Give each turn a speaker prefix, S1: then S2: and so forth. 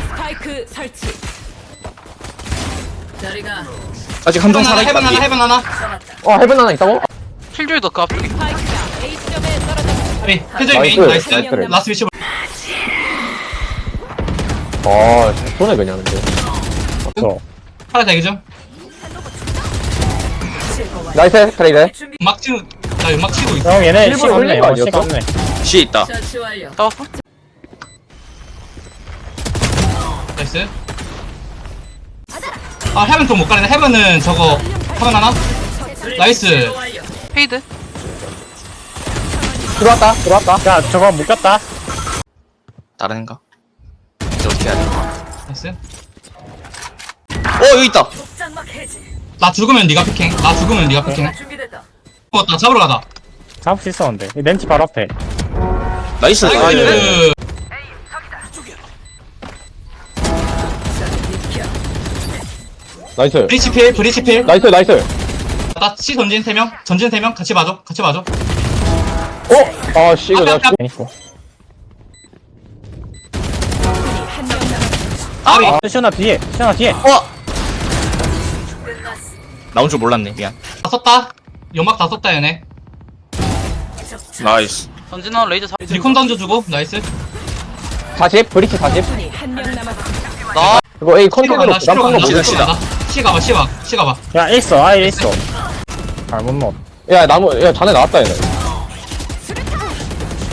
S1: 스파이크 설치. 자리가
S2: 아직 한 명
S3: 해븐 하나
S2: 살아있다.
S3: 해븐 하나
S4: 헤븐 하나 있다고?
S5: 킬조이도 그 앞에.
S1: 스파이크가 A점에 떨어졌습니다.
S3: 아니 해저이 메인
S4: 나이스.
S3: 나이스
S4: 나이스.
S3: 라스트 위치
S4: 손해 그냥 근데.
S3: 하나 대기 좀
S4: 나이스 트레이드.
S3: 막 치고 나 연막 치고 있어
S6: 형 얘네
S4: 일부러
S6: 시
S4: 흘린
S6: 없네.
S4: 거
S6: 시가
S4: 아니었어?
S6: 없네.
S2: C에 있다.
S1: 처치 완료.
S5: 싸웠어?
S3: 나이스 아 해븐 좀 못 가네 해븐은 저거 해븐 하나 나이스
S5: 페이드.
S4: 들어왔다.
S6: 야 저거 묶였다.
S2: 다른 애인가? 이제 어떻게 해야 돼?
S3: 나이스
S2: 여기 있다.
S1: 장막 해지.
S3: 나 죽으면 네가 피킹 나 죽으면 네가 피킹
S1: 준비됐다.
S3: 나 잡으러 가자
S6: 잡을 수 있었는데. 이 렌치 바로 앞에.
S2: 나이스.
S3: 나이스
S4: 나이스.
S3: 브리치필
S4: 나이스.
S3: 나 C 전진 3명 전진 3명 같이 봐줘
S4: 씨 이거 내가
S6: 괜히고.
S1: 한명 남았습니다.
S3: 아비
S6: 시원아 뒤에. 시원아 뒤에.
S2: 나온 줄 몰랐네. 미안.
S3: 다 썼다 연막 다 썼다 얘네
S2: 나이스.
S5: 전진원 레이저 사.
S3: 리콘 던져주고 나이스
S4: 40 브리치 40.
S1: 한명 남았습니다.
S4: 이거 A
S3: C로
S4: 컨테이너로
S3: 간다 C로
S4: 부담한 거
S3: 간다
S4: 모르겠어.
S2: 시다.
S3: C 가봐 C 가봐
S6: 야 있어. 아예 있어. 잘못 넣어.
S4: 야 나무 야 자네 나왔다 얘네.